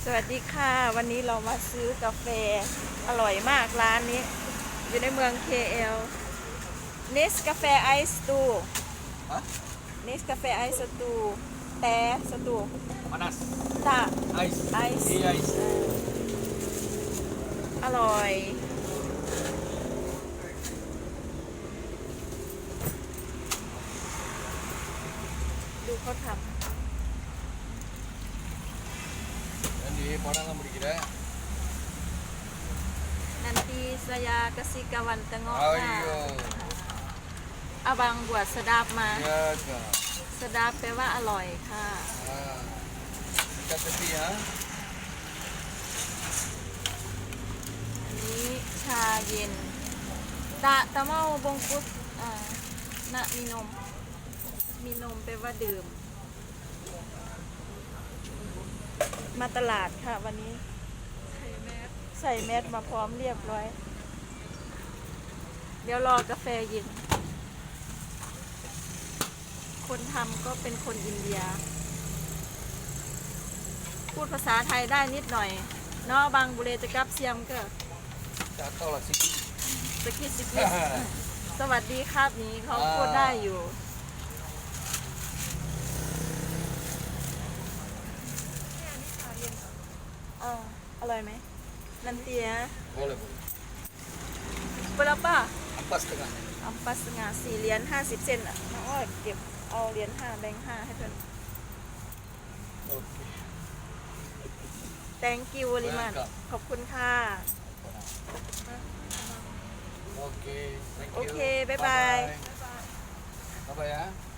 สวัสดีค่ะวันนี้เรามาซื้อกาแฟอร่อยมากร้านนี้อยู่ในเมือง KL เนสกาแฟไอซ์ตู Hah? เนสกาแฟไอซ์สตูแต่สตู Panas. ตา Ice. ไอซ์ Iya, ice. อร่อยดูเขาท Jadi, orang nggak mau dikira. ำนันตีสยากสิกวันตะเงาะ Oh ค่ะ iya. อาบังบวชสดับมา Iya, kak. สดับแปลว่าอร่อยค่ะ Ah. Kita tepi ya. อันนี้ชาเย็นตะเมาบงกุสนะมีนมแปลว่าดื่ม มาตลาดค่ะวันนี้ ใส่แมสมาพร้อมเรียบร้อย เดี๋ยวรอกาแฟเย็น คนทำก็เป็นคนอินเดีย พูดภาษาไทยได้นิดหน่อยเนาะบางบุเรจะกับเซียมก็ Jatuh lah sih. สกิดสกิดสวัสดีครับนี้เขาพูดได้อยู่ อร่อยไหมนันเตีย Boleh, boleh. เปล่าป่ะ Ampas tengah. อัมปัสงา4 เหรียญ50 เซนต์อ่ะน้องอ้อยเก็บเอาเหรียญ5แบงค์5ให้เพื่อน Oke. thank you วริมัน Welcome. ขอบคุณค่ะ Oke, thank you. Oke, bye-bye. Bye-bye ya.